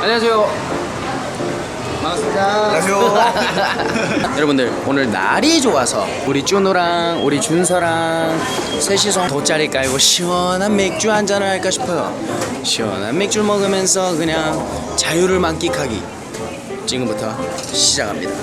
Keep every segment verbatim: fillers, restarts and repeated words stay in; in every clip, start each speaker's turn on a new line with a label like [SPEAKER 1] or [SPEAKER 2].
[SPEAKER 1] 안녕하세요.
[SPEAKER 2] 반갑습니다.
[SPEAKER 3] 안녕하세요.
[SPEAKER 1] 여러분들 오늘 날이 좋아서 우리 쭈누랑 우리 준서랑 셋이서 돗자리 깔고 시원한 맥주 한잔을 할까 싶어요. 시원한 맥주 먹으면서 그냥 자유를 만끽하기. 지금부터 시작합니다.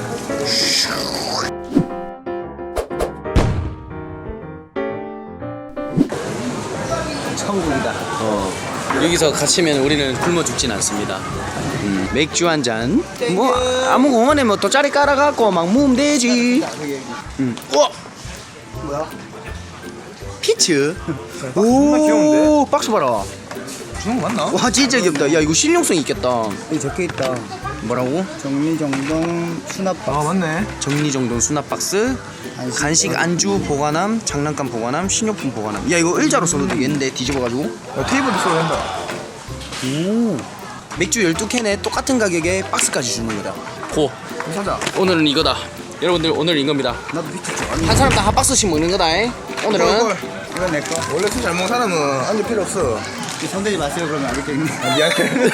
[SPEAKER 2] 천국이다.
[SPEAKER 1] 어, 여기서 갇히면 우리는 굶어 죽진 않습니다. 음, 맥주 한 잔. 뭐 아무 공원에 뭐 돗자리 깔아갖고 막 모으면 되지. 음. 우와.
[SPEAKER 2] 뭐야?
[SPEAKER 1] 피츠.
[SPEAKER 2] 정말 귀여운데?
[SPEAKER 1] 오, 박스 봐라.
[SPEAKER 2] 중국 맞나?
[SPEAKER 1] 와 진짜 귀엽다. 야 이거 실용성 있겠다.
[SPEAKER 2] 여기 적혀있다.
[SPEAKER 1] 뭐라고?
[SPEAKER 2] 정리정돈 수납박.
[SPEAKER 3] 아 맞네.
[SPEAKER 1] 정리정돈 수납 박스,
[SPEAKER 2] 간식,
[SPEAKER 1] 간식 안주 보관함, 장난감 보관함, 식료품 보관함. 야 이거 의자로 써도 되겠는데 뒤집어가지고.
[SPEAKER 3] 야, 테이블도 써야 된다.
[SPEAKER 1] 오. 맥주 열두 캔에 똑같은 가격에 박스까지 주는 거다. 고.
[SPEAKER 3] 사자.
[SPEAKER 1] 오늘은 이거다. 여러분들 오늘 이겁니다.
[SPEAKER 2] 나도 피치 좋아하는
[SPEAKER 1] 한 사람당 한 박스씩 먹는 거다. 잉? 오늘은
[SPEAKER 2] 이건 내 거.
[SPEAKER 3] 원래 술 잘 먹는 사람은 안주 필요 없어.
[SPEAKER 2] 손대지 마세요. 그러면 알겠겠니?
[SPEAKER 3] 아, 미안해.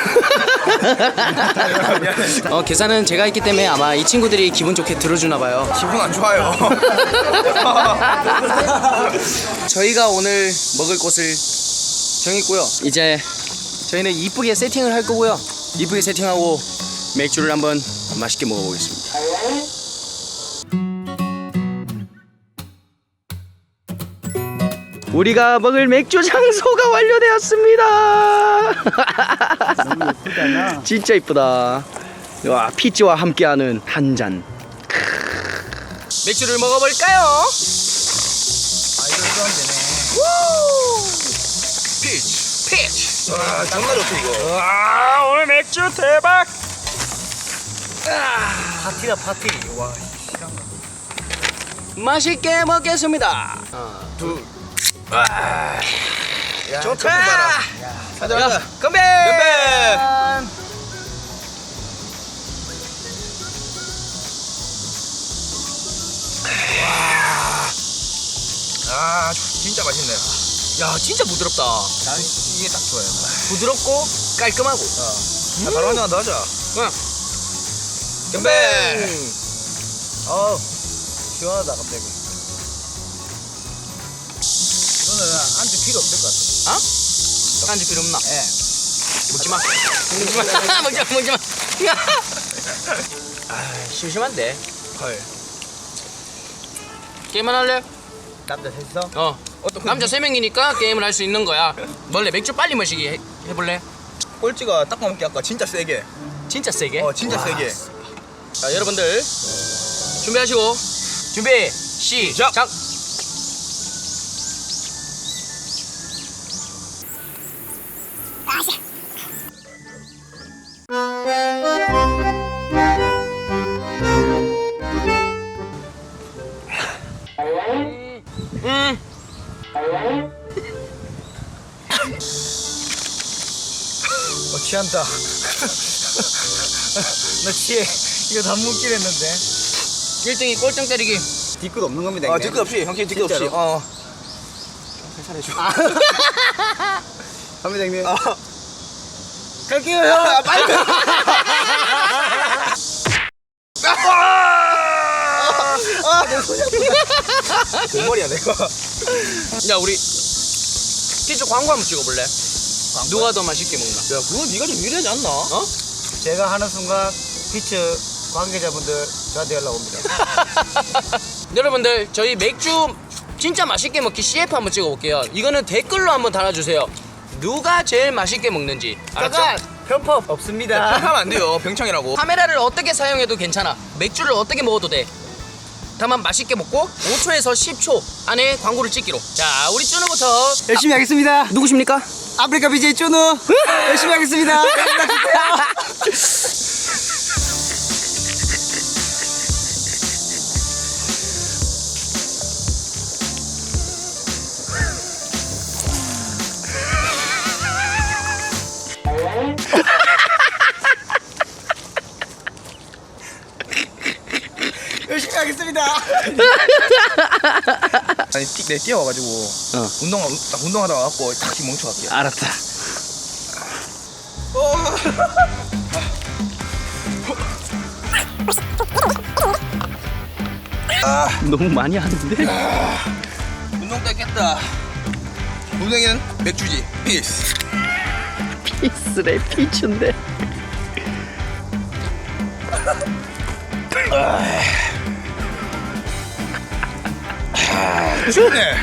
[SPEAKER 3] 미안해.
[SPEAKER 1] 어, 계산은 제가 했기 때문에 아마 이 친구들이 기분 좋게 들어주나 봐요.
[SPEAKER 3] 기분 안 좋아요.
[SPEAKER 1] 저희가 오늘 먹을 곳을 정했고요. 이제 저희는 이쁘게 세팅을 할 거고요. 이쁘게 세팅하고 맥주를 한번 맛있게 먹어보겠습니다. 우리가 먹을 맥주 장소가 완료되었습니다.
[SPEAKER 2] 너무 예쁘잖아.
[SPEAKER 1] 진짜 이쁘다. 와, 피치와 함께하는 한 잔. 맥주를 먹어볼까요?
[SPEAKER 3] 아 이거 이거 하면 되네.
[SPEAKER 1] 피치, 피치.
[SPEAKER 3] 와 정말 좋다 이거.
[SPEAKER 1] 와, 오늘 맥주 대박.
[SPEAKER 3] 파티다 파티. 와.
[SPEAKER 1] 맛있게 먹겠습니다. 하나, 둘.
[SPEAKER 3] 야,
[SPEAKER 1] 좋다.
[SPEAKER 3] 커피 봐라. 가자 가자.
[SPEAKER 1] 건배.
[SPEAKER 3] 건배. 아 진짜 맛있네.
[SPEAKER 1] 야, 진짜 부드럽다.
[SPEAKER 3] 난 이게 딱 좋아요.
[SPEAKER 1] 부드럽고 깔끔하고.
[SPEAKER 3] 자, 바로 한잔 더 하자.
[SPEAKER 1] 응.
[SPEAKER 3] 건배.
[SPEAKER 2] 어우, 시원하다 갑자기. 이거는 안주 필요 없을 것 같아.
[SPEAKER 1] 어? 안주 필요 없나?
[SPEAKER 2] 예.
[SPEAKER 1] 먹지 마. 먹지 마. 먹지 마. 먹지 마. 아, 심심한데.
[SPEAKER 3] 헐.
[SPEAKER 1] 게임만 할래?
[SPEAKER 2] 남자 셋이서?
[SPEAKER 1] 어.
[SPEAKER 3] 어떤
[SPEAKER 1] 남자 세 명이니까 게임을 할 수 있는 거야. 원래 맥주 빨리 마시기 해, 해볼래?
[SPEAKER 3] 꼴찌가 딱 먹기 아까 진짜 세게.
[SPEAKER 1] 진짜 세게?
[SPEAKER 3] 어 진짜
[SPEAKER 1] 와.
[SPEAKER 3] 세게.
[SPEAKER 1] 자, 여러분들 준비하시고 준비 시작. 음.
[SPEAKER 2] 어, 취한다. 나 취해. 이거 다 묻긴 했는데.
[SPEAKER 1] 일 등이 꼴등 때리기.
[SPEAKER 2] 뒤끝 없는 겁니다.
[SPEAKER 3] 아
[SPEAKER 2] 이게.
[SPEAKER 3] 뒤끝 없이 형님 뒤끝 없이.
[SPEAKER 2] 진짜로?
[SPEAKER 3] 어.
[SPEAKER 2] 갑니다, 형님.
[SPEAKER 3] 어.
[SPEAKER 2] 갈게요, 형.
[SPEAKER 3] 아, 빨리. 아, 내 손이 아프다. 금머리야 내가.
[SPEAKER 1] 야, 우리 피자 광고 한번 찍어볼래? 누가 더 맛있게 먹나?
[SPEAKER 3] 야 그건 네가 좀 유리하지 않나?
[SPEAKER 1] 어?
[SPEAKER 2] 제가 하는 순간 피츠 관계자분들 저한테 연락 옵니다.
[SPEAKER 1] 여러분들 저희 맥주 진짜 맛있게 먹기 씨에프 한번 찍어볼게요. 이거는 댓글로 한번 달아주세요. 누가 제일 맛있게 먹는지. 알았죠?
[SPEAKER 2] 편법 없습니다.
[SPEAKER 3] 하면 안 돼요. 병창이라고.
[SPEAKER 1] 카메라를 어떻게 사용해도 괜찮아. 맥주를 어떻게 먹어도 돼. 다만 맛있게 먹고 오 초에서 십 초 안에 광고를 찍기로. 자, 우리 쭈누부터.
[SPEAKER 2] 열심히 하겠습니다.
[SPEAKER 1] 누구십니까?
[SPEAKER 2] 아프리카 비제이 쭈누 열심히 하겠습니다. 열심히 하겠습니다.
[SPEAKER 3] 아니 틱 내 뛰어와가지고
[SPEAKER 1] 어.
[SPEAKER 3] 운동 딱 운동하다 와갖고 다시 멈춰갈게.
[SPEAKER 1] 알았다.
[SPEAKER 3] 어.
[SPEAKER 1] 너무 많이 하는데?
[SPEAKER 3] 운동 때 깼다. 운동에는 맥주지. 피스.
[SPEAKER 1] 피스래 피츠인데.
[SPEAKER 3] 춥네.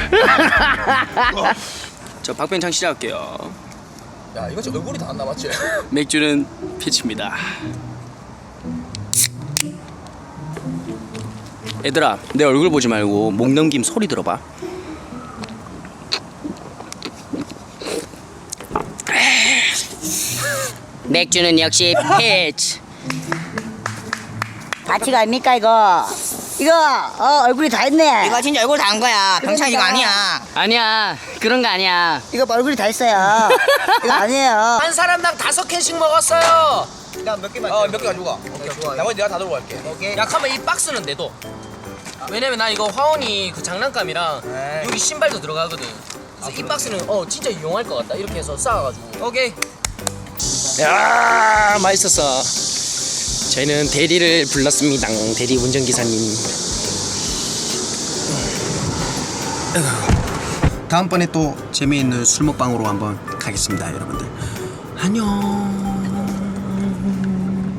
[SPEAKER 1] 저 박병창 시작할게요.
[SPEAKER 3] 야 이거 진짜 얼굴이 다 안 남았지?
[SPEAKER 1] 맥주는 피츠입니다. 얘들아, 내 얼굴 보지 말고 목 넘김 소리 들어봐. 맥주는 역시 피츠.
[SPEAKER 4] 가치가 아닙니까 이거? 이거 어 얼굴이 다 있네.
[SPEAKER 5] 이거 진짜 얼굴 다 한 거야. 병찬 이거 아니야.
[SPEAKER 1] 아니야, 그런 거 아니야.
[SPEAKER 4] 이거 봐, 얼굴이 다 있어요. 이거 아니에요.
[SPEAKER 1] 한 사람당 다섯 캔씩 먹었어요.
[SPEAKER 2] 나몇 개만.
[SPEAKER 3] 어몇 개 가지고 가.
[SPEAKER 2] 오케이, 좋아.
[SPEAKER 3] 나머지 내가 다 들고 갈게.
[SPEAKER 2] 오케이.
[SPEAKER 1] 약하면 이 박스는 내도. 왜냐면 나 이거 화원이 그 장난감이랑
[SPEAKER 2] 에이.
[SPEAKER 1] 여기 신발도 들어가거든. 그래서 이 박스는 어 진짜 이용할 것 같다. 이렇게 해서 쌓아가지고. 오케이. 야 맛있었어. 저희는 대리를 불렀습니다. 대리 운전기사님. 다음번에 또 재미있는 술 먹방으로 한번 가겠습니다, 여러분들. 안녕.